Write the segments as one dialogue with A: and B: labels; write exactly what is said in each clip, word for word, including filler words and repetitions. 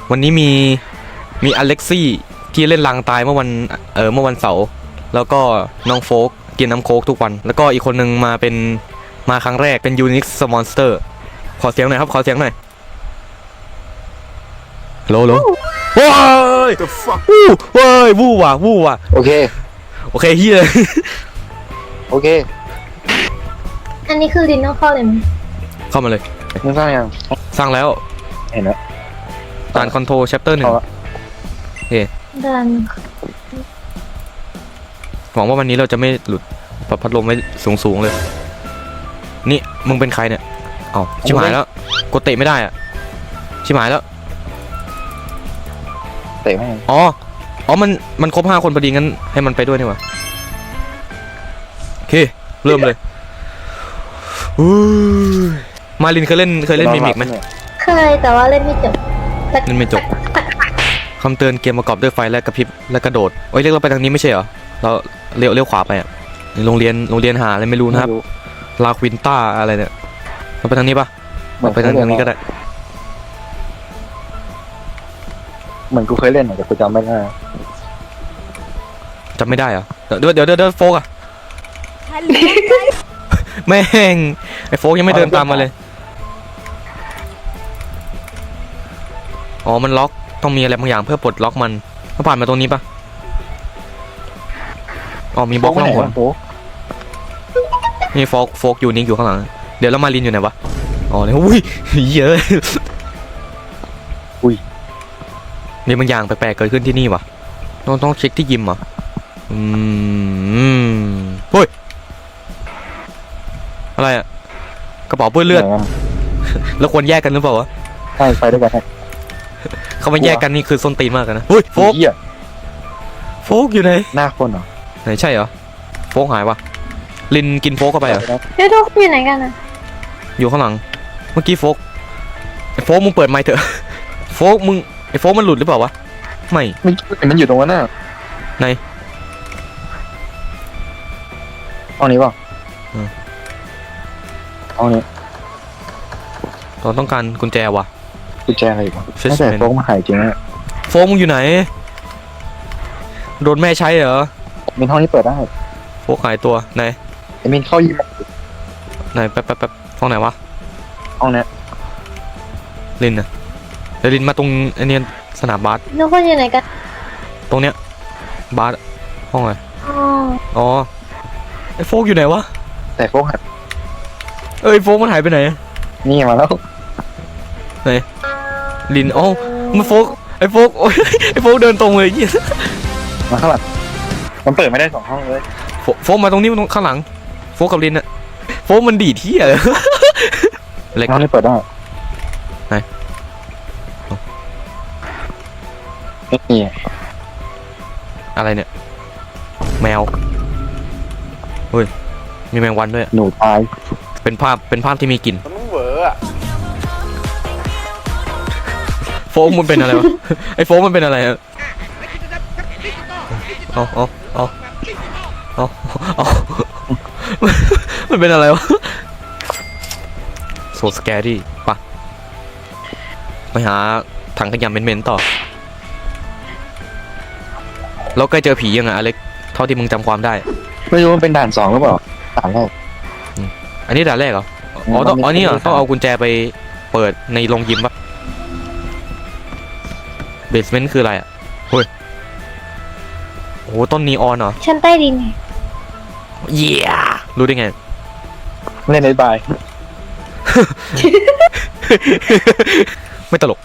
A: วันนี้มีมีอเล็กซี่ที่เล่นลางตายเมื่อวันเออเมื่อวันเสาร์แล้วก็น้องโฟกกินน้ำโค้กทุกวันแล้วก็อีกคนนึงมาเป็นมาครั้งแรกเป็นยูนิคสมอนสเตอร์ขอเสียงหน่อยครับขอเสียงหน่อยโหลโหลว้ายวู้ว้ายวู้ว่ะวู้ว่ะ
B: โอเค
A: โอเคเฮีย
B: โอเค
C: อันนี้คือลินต้องเข้าเลยไหม
A: เข้ามาเลย
B: มึงสร้างยัง
A: สร้างแล้ว
B: เห็นแล้ว
A: ด่านคอนโทรลแชปเตอร์หนึ่งโอเค
C: ด่าน
A: หวังว่าวันนี้เราจะไม่หลุดปรับพัดลมไว้สูงๆเลยนี่มึงเป็นใครเนี่ยอ๋อชิบหายแล้วกดเตะไม่ได้อะชิบหายแล้ว
B: เตะไม่
A: อ๋ออ๋อมันมันครบห้าคนพอดีงั้นให้มันไปด้วยนี่หว่าโอเคเริ่มเลยมาลินเคยเล่นเคยเล่นมิมิกไหม
C: เคยแต่ว่าเล่นไม่จบ
A: เล่นไม่จบคำเตือนเกมประกอบด้วยไฟและกระพริบและกระโดดโอ้ยเรียกเราไปทางนี้ไม่ใช่เหรอเราเลี้ยวเลี้ยวขวาไปอ่ะโรงเรียนโรงเรียนหาอะไรไม่รู้นะครับลาควินต้าอะไรเนี่ยเราไปทางนี้ปะเราไปทางทางนี้ก็ได้
B: เหมือนกูเคยเล่นแต่กูจำไม่ได้
A: จำไม่ได้เหรอเดี๋ยวเดี๋ยวเดี๋ยวโฟกอะแม่งไอ้โฟกยังไม่เดินตามมาเลยอ๋อมันล็อกต้องมีอะไรบางอย่างเพื่อปลดล็อกมันถ้าผ่านมาตรงนี้ปะอ๋อมีบล็อกล่องหนนี่โฟกโฟกอยู่นิ่งอยู่ข้างหลังเดี๋ยวแล้วมาลินอยู่ไหนวะอ๋อเนี่ยอุ้ยเยอะ
B: อุ้ย
A: มีบางอย่างแปลกๆเกิดขึ้นที่นี่วะต้องต้องเช็คที่ยิมอ่ะอืมเฮ้ยอะไรอ่ะกระเป๋าเปื้อนเลือดแล้วควรแยกกันหรือเปล่าวะ
B: ใช่ไปด้วยกัน
A: เขาไม่แยกกันนี่คือส้นตีนมากนะเฮ้ยโฟกโฟกอยู่ไหน
B: หน้าคนเหรอ
A: ไหนใช่เหรอโฟกหายวะลินกินโฟกเข้าไปเหรอ
C: เฮ้ยทุกอยู่ไหนกันอ่ะ
A: อยู่ข้างหลังเมื่อกี้โฟกไอ้โฟกมึงเปิดไมค์เถอะโฟกมึงไอ้โฟกมันหลุดหรือเปล่าวะไม่
B: มันอยู่ตรงนั้นน่ะ
A: ไหน
B: ห้องนี้เปล่าห้องนี้
A: เราต้องการกุญแจวะ
B: กุญแจอะไรวะไม่แต่โฟกมาหายจริงนะ
A: โฟกมึงอยู่ไหนโดนแม่ใช้เหรอ
B: มินห้องนี้เปิดได้
A: โฟกหายตัวไหน
B: ไอ้มินเข้ายิม
A: ไหนแป๊บแป๊บแป๊บห้องไหนวะ
B: ห้องนี้
A: ลินนะเดี๋ยวลินมาตรงไอเนี้ยสนามบาส
C: ทุกคนอยู่ไหนกัน
A: ตรงเนี้ยบาสห้องอะไร
C: อ๋อ
A: อ๋อไอโฟกอยู่ไหนวะ
B: แต่โฟกหาย
A: เอ้ยโฟกมันหายไปไหน
B: นี่มาแล้ว
A: ไหนลินอ๋อมันโฟกไอโฟกโอ้ยไอโฟกเดินตรงเลยยี่
B: มาข้างหลังมันเปิดไม่ได้สองห้องเลย
A: โฟกมาตรงนี้มันข้างหลังโฟกกับลินอะโฟกมันดีที่อะไร
B: เล็กห้องนี้เปิดได้
A: ไหน
B: ไม่มี
A: อะไรเนี่ยแมวเฮ้ยมีแมงวันด้วย
B: หนูตาย
A: เป็นภาพเป็นภาพที่มีกลิ่น
B: มันเหวออะ
A: โฟกมันเป็นอะไรวะไอโฟกมันเป็นอะไรอะเอาเอาเอาเอาเอามันเป็นอะไรวะโซสแกรี่ปะไปหาถังขยะเหม็นๆต่อแล้วใกล้เจอผียังไงอเล็กเท่าที่มึงจำความได้
B: ไม่รู้มันเป็นด่านสองหรือเปล่าด่านแรก
A: อันนี้ด่านแรกเหรออ๋อต้องอ๋อนี่เหรอต้องเอากุญแจไปเปิดในโรงยิมปะเบสเมนต์คืออะไรอ่ะเฮ้ยโอ้ต้นนีออนเหรอ
C: ชั้นใต้ดินไง
A: เยี่ยรู้ได้ไง
B: เล่นในบาย
A: ไม่ตลก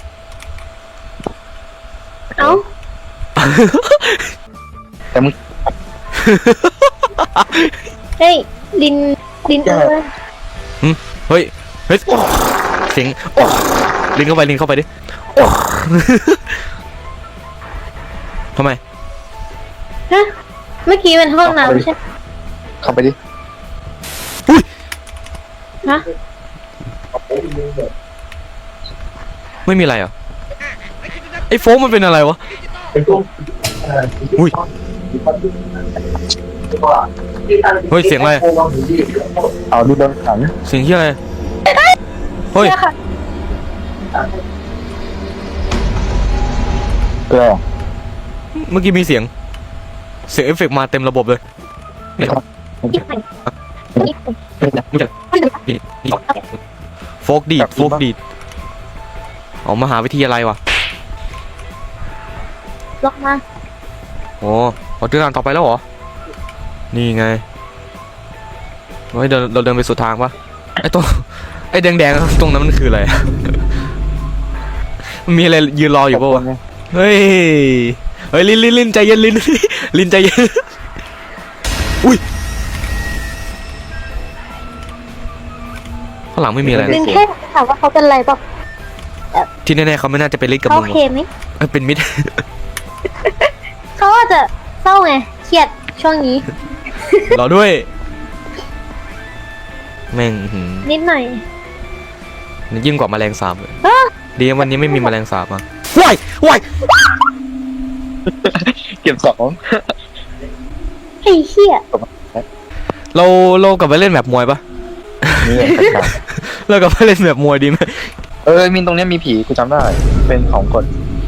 C: เอ้า
B: แต่มึง
C: เฮ้ยลินลินเออ
A: เฮ้ยเฮ้ยเสียงลินเข้าไปลินเข้าไปดิทำไม
C: ฮะเมื่อกี้เป็นห้องน้ำใช่
B: เข้าไปดิ
A: อุ้ย
C: ฮะ
A: ไม่มีอะไรอ่ะไอ้โฟมมันเป็นอะไรวะอุ้ยเฮ้ยเสียงอะไร
B: เอาดูดังขัง
A: เสียงที่อะไรเฮ้ย
B: เกลือ
A: เมื่อกี้มีเสียงเสียงเอฟเฟกต์มาเต็มระบบเลยโฟกดีดโฟกดีดออกมหาวิทยาลัยวะ
C: ล็อกมา
A: โอ้เราเดินทางต่อไปแล้วเหรอนี่ไงเฮ้ยเดินเราเดินไปสุดทางปะไอ้ตรงไอ้แดงๆตรงนั้นมันคืออะไร มันมีอะไรยืนรออยู่ปะวะเฮ้ยเฮ้ยลินลินลินใจเย็นลิน ลินใจเย็นอุ้ยข้างหลังไม่มีอะไร
C: ลิ
A: นะ
C: นแค่ถามว่าเขาเป็นไรเปล่า
A: ที่แน่ๆเขาไม่น่าจะเป็นลินกับ
C: เขา
A: มึง
C: โอเคไหม
A: เอ้ยเป็นมิด
C: เขาอาจจะเศร้าไงเครียดช่วงนี้
A: รอด้วย แม่งหืม
C: นิดหน่อย
A: ยิ่งกว่าแมลงสาบเลย
C: อ้า
A: ดีนะวันนี้ไม่มีแมลงสาบมาว้ายว้าย
B: เก็บสอง
C: ไอ้เหี้ย
A: เราเรากลับไปเล่นแบบมวยปะ
B: นี่
A: เรากลับไปเล่นแบบมวยดีไหม
B: เออมินตรงเนี้ยมีผีกูจำได้เป็นของกด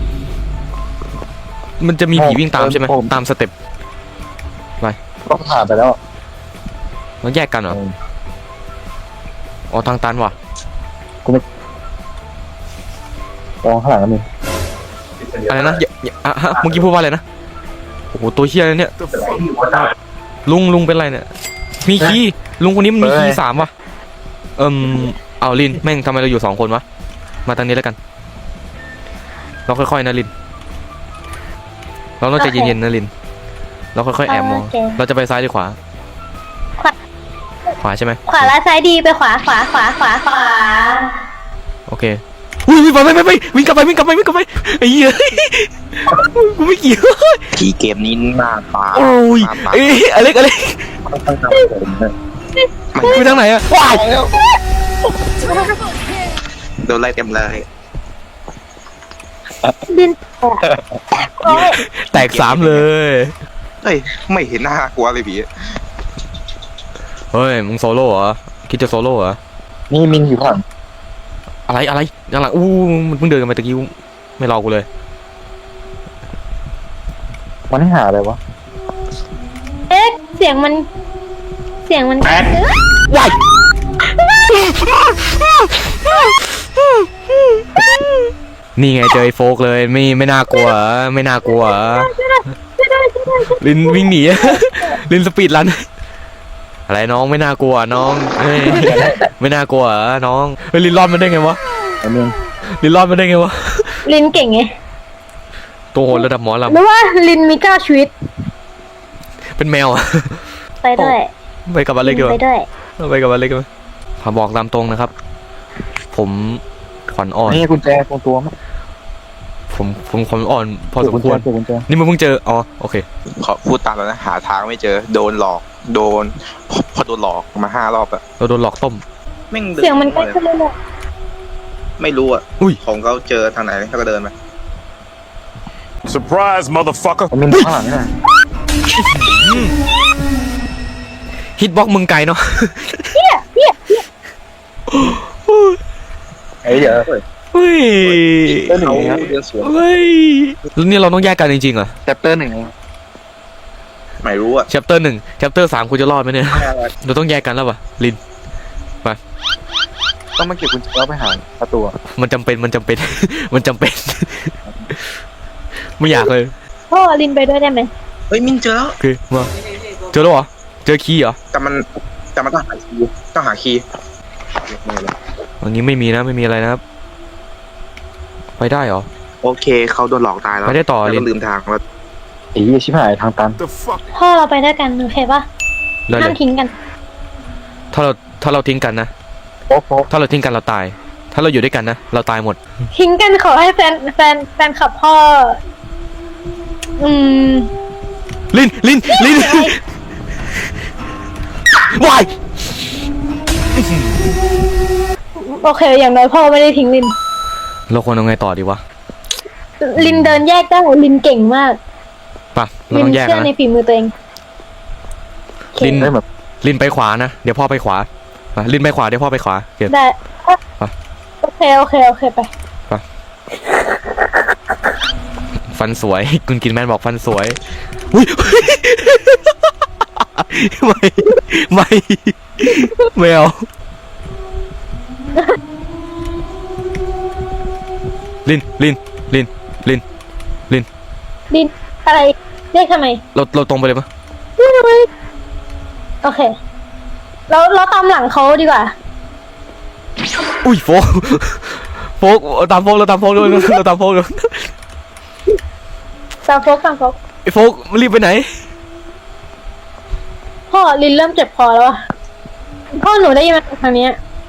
A: มันจะมีผีวิ่งตามใช่ไหม
B: ผม
A: ตามสเต็ป
B: ก็ผ่านไปแล้ว
A: เราแยกกันเหรออ๋อทางตันว่ะ
B: มองข้างหลังก็มี
A: อะไรนะอย่าอย่าอ่ะฮะเมื่อกี้พูดว่าอะไรนะโอ้โหตัวเฮียอะไรเนี่ยลุงลุงเป็นไรเนี่ยมีคีย์ลุงคนนี้มันมีคีย์สามว่ะเอิมเอาลินแม่งทำไมเราอยู่สองคนวะมาทางนี้แล้วกันเราค่อยๆนะลินเราต้องใจเย็นๆนะลินเราค่อยๆแอบมอง
C: โอเค
A: เราจะไปซ้ายหรือขวา
C: ขวา
A: ขวาใช่ไหม
C: ขวาและซ้ายดีไปขวาขวาขวาขวาขวา
A: โอเคอุ้ยไปไปไปไปวิ่งกลับไปวิ่งกลับไปวิ่งกลับไปไอ้เหี้ยกูไม่เกี่ยว
D: ที่เกมนี้หน้าตา
A: โอ้ย
D: หน้าตา
A: เอ้ยอะไรอะไร
B: ตั้งแต่ผมเนี่ย
A: ไปทางไหนอะว้าย
D: โดนไล่เต็มเลย
C: ดินโอ้ย
A: แตกสามเลย
D: เฮ้ยไม่เห็นหน้ากลัวเลยพี่
A: เฮ้ยมึงโซโล่เหรอคิดจะโซโล่เหรอ
B: นี่มินอยู่ข้างหลัง
A: อะไรอะไรยังหลังอู้มึงเพิ่งเดินกันไปตะกี้ไม่รอกูเลย
B: มันให้หาอะไรวะ
C: เอ๊ะเสียงมัน เสียงมัน
A: ว้ายนี่ไงเจอไอ้โฟกเลยไม่ไม่น่ากลัวเหรอไม่น่ากลัวเหรอลินวิ่งหนี ลินสปีดรันอะไรน้องไม่น่ากลัวน้องเฮ้ยไม่น่ากลัวเหรอน้องเฮ้ยลินรอดมาได้ไงวะ
B: ไอ้มิน
A: ลินรอดมาได้ไงวะ
C: ลินเก่งไง
A: ตัวโหดระดับหมอล
C: หรือว่าลินมีเก้าชีวิต
A: ำเป็นแมวอะ
C: ไปด้วย
A: ไปกับอเล็กดีก
C: ไป
A: ว่า
C: ด้วย
A: ไปกับอเล็กดีกว่าพาบอกตามตรงนะครับ ผมขวัญอ่อน
B: นี่กุญแจตรงตัวมั้ย
A: ผมผมขวัญอ่อนพอสมควร
B: กุญแจ
A: นี่มึงเพิ่งเจออ๋อโอเค
D: ขอพูดตามแล้วนะหาทางไม่เจอโดนหลอกโดนพอโดนหลอกมาห้ารอบอะ
A: เราโดนหลอกต้ม
D: แม่งดิ
C: เสียงมันใกล้ขึ้นเรื่อย
D: ไม่รู้อะ
A: อุ้ย
D: ของเขาเจอทางไหนเขาก็เดินมา
E: Surprise, motherfucker.
B: ไอ้มินข้างหลังเนี่ย
A: ฮิตบ็อกมึงไกลเนาะ
C: ๆเหี้ยเหี้ยเหี้ย
B: ไอ้เดี๋ยว
A: เฮ้ย
B: เตอร์หนึ่ง
D: เขา
B: เองครับ
D: เดินสวน
A: เฮ้ยแล้วนี่เราต้องแยกกันจริงๆเหรอ
B: แชปเตอร์หนึ่งเอง
D: ไม่รู้อะ
A: แชปเตอร์หนึ่งแชปเตอร์สามคุณจะรอดไหมเนี่ยเราต้องแยกกันแล้วปะลิน
B: ต้องมาเก็บกุญแจแล้วไปหาประตู
A: มันจำเป็นมันจำเป็น มันจำเป็น ไม่อยากเลย
C: พ่อลินไปด้วยได้ไหม
D: เฮ้ยมินเจอแล้ว
A: โอเคมาเจอแล้วเหรอเจอคีย์เหรอ
D: แต่มันแต่มันต้องหาคีย์ต้องหาคีย์
A: วันนี้ไม่มีนะไม่มีอะไรนะครับไปได้เหรอ
D: โอเคเขาโดนหลอกตายแล้ว
A: ไปได้ต่อ
D: แล้ว
A: ลิ
D: ก็
A: น
D: ลืมทางแล้ว
B: ไอ้เหี้ยชิบหายทางตัน
E: The fuck?
C: พ่อเราไปด้วยกันโอเคปะ
A: ได้เล
C: ห้าม
A: ย
C: ทิ้งกัน
A: ถ้าเราถ้าเราทิ้งกันนะ
B: โป๊ะโป๊ะ
A: ถ้าเราทิ้งกันเราตาย ถ้าเราอยู่ด้วยกันนะเราตายหมด
C: ทิ้งกันขอให้แฟนแฟนแฟนขับพ่อ อืม
A: ลินลินลินวาย
C: โอเค อย่างน้อยพ่อไม่ได้ทิ้งลิน
A: เราควรเอาไงต่อดีวะ
C: ลินเดินแยกได้ลินเก่งมาก
A: ป่ะเรา
C: ลิ
A: ต้องแยก
C: เชื่
A: กั
C: อน ใน
A: นะ
C: ฝีมือตัวเองโอเค
A: ลิน
B: ได้แบบ
A: ลินไปขวานะเดี๋ยวพ่อไปขวาไปลินไปขวาเดี๋ยวพ่อไปขวาเก็บ
C: ได้เอ้ย
A: ไป
C: โอเคโอเคโอเคไป
A: ไฟฟันสวย คุณกินแมนบอกฟันสวยอุ้ย ไม่ไม่ไม่เอาลินลินลินลินลิน
C: ดินอะไรเรียกทำไม
A: เราเราตรงไปเลยปะ
C: โอเค เราเราตามหลังเขาดีกว่า
A: อุ้ยโฟกโฟกตามโฟกเราตามโฟกด้วยเราตามโฟกด้วย
C: ตามโฟกตามโฟก
A: ไอ้โฟกรีบไปไหน
C: พ่อลินเริ่มเจ็บคอแล้วอะพ่อหนูได้ยินมาทางเนี้ย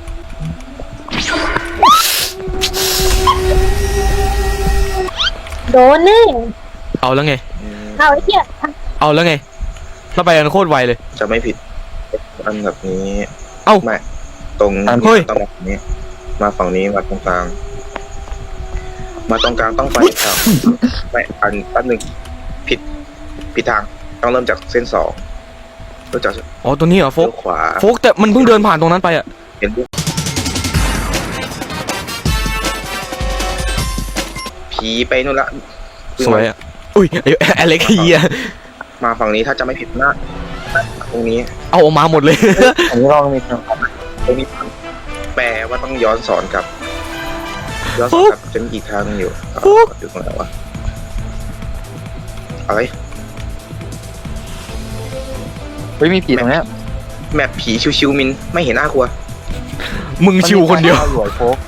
C: โดนแน่
A: เอาแล้วไง
C: เอาไอ้เหี้ย
A: เอาแล้วไงเราไปกันโคตรไวเลย
D: จะไม่ผิดอันแบบนี้
A: เอ้า
D: ไม่ตรง
A: เฮ้ย
D: ต้องมาฝั่งนี้ มาฝั่งนี้มาตรงกลาง มาตรงกลางต้องไปครับไม่อันแป๊บหนึงผิดผิดทางต้องเริ่มจากเส้นสองเริ่มจาก
A: อ๋อตัวนี้เหรอโฟ
D: เลี้
A: ก
D: ยวขวา
A: โฟกแต่มันเพิ่งเดินผ่านตรงนั้นไปอะ
D: เห็นปุ๊บผีไปนู่นละ
A: สวยอะอุ้ยไอ้อเล็กเฮีย
D: มาฝั่งนี้ถ้าจะไม่ผิดนะตรงนี้
A: เอาออกมาหมดเลย
B: อันนี้เรามีทางออก
D: ตรงนี้แปลว่าต้องย้อนสอนกลับ ย้อนสอนกลับจะมีอีกทางหนึงอยู่อ่าอยู่ตรงไหนวะอะไร
B: เฮ้ยมีผีตรงเนี้ย
D: แมปผีชิวๆมินไม่เห็นน่ากลัว
A: มึงชิวคนเดียว
B: มัมีทางาวอยู่ไอ้โฟก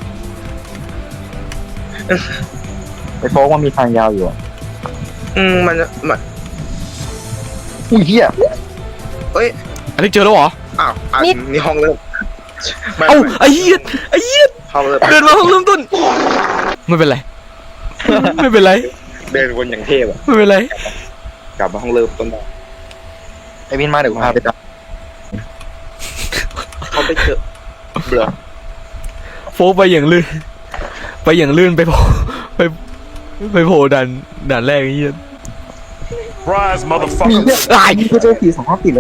B: ไอ้โฟกมันมีทางยาวอยู่อะ
D: อืมมันมัน
B: อุ้ยเหี้ย
D: เอ้ย
A: อเล็กเจอแล้วเหรอ
D: อ้าวอ่ะนี่ห้องเริ่มไม่
A: เอ้า
D: ไม่
A: ไอ้เหี้ยไอ้เหี้ย
D: ห้องเริ่ม
A: เดินมาห้องเริ่มต้นไม่เป็นไรไม่เป็นไร
D: เดินวนอย่างเทพอะ
A: ไม่เป็นไร
D: กลับมาห้องเริ่มต้นได้
B: ไอ้มินมาเดี๋ยวกูพาไปจับ
D: เขาไปเจอเบื่อ
A: โฟกไปอย่างลื่นไปอย่างลื่นไปโผล่ไปไปโผล่ด่านด่านแรกไอ้เหี้ย
E: Surprise,
B: มี
E: motherfucker.
B: เนี่ย
A: ตาย
B: กูเจอผีสองห้องติดเลย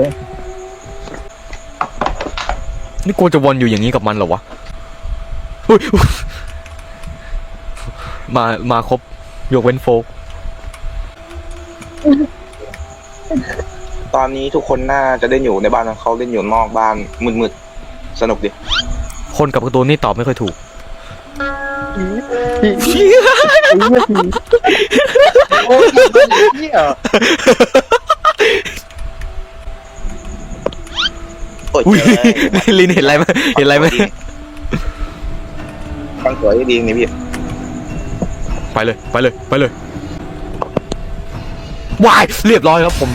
A: นี่กูจะวนอยู่อย่างนี้กับมันเหรอวะอุ๊ยอุ๊ยมามาครบยกเว้นโฟก
D: ตอนนี้ทุกคนน่าจะเล่นอยู่ในบ้านของเขาเล่นอยู่นอกบ้านมืดๆสนุกดิ
A: คนกับการ์ตูนนี่ตอบไม่ค่อยถูก
B: ผีผีไอ้เหี้ยผีโอ้ยเหี้ย
D: โอ้ย
A: อุ้ย
D: เจอ
A: ลินเห็นอะไรไหมเห็นอะไรไหม
D: ฟังสวยดีนี่พี่
A: ไปเลยไปเลยไปเลย วายเรียบร้อยครับผม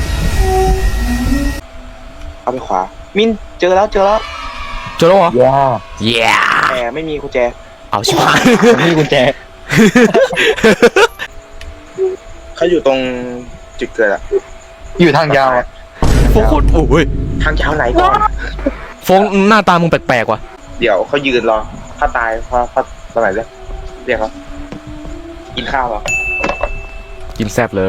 D: เอาไปขวา มินเจอแล้วเจอแล้ว
A: เจอแล้วเหรอ
B: ย่า
A: เย้
D: แต่ไม่มีกุญแจ
A: เอาชิบหาย
B: นี่กุญแจ
D: เขาอยู่ตรงจุดเกิดอะ
B: อยู่ทางยาวอะ
A: โฟกโคตรโอ้ย
D: ทางยาวไหนก่อน
A: โฟกหน้าตามึงแปลกๆว่ะ
D: เดี๋ยวเขายืนรอ ถ้าตายเพราะเพราะตอนไหนเรียกเรียกเขากินข้าวเหรอ
A: กินแซ่บเลย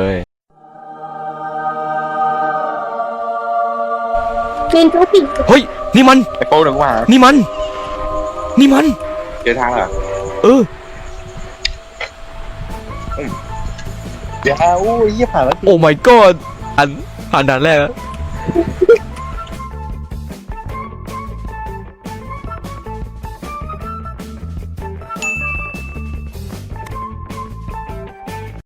C: ลินทุกสิ่ง
A: เฮ้ยนี่มัน
B: ไอ้โฟกเดี๋ยวกูหา
A: นี่มัน นี่มัน
D: เดินทางเหรอ
A: เออ
B: เดี๋ยวอู้ยเหี้ยผ่านแล้ว
A: โอ้ my god อันผ่านด่านแรกแล้ว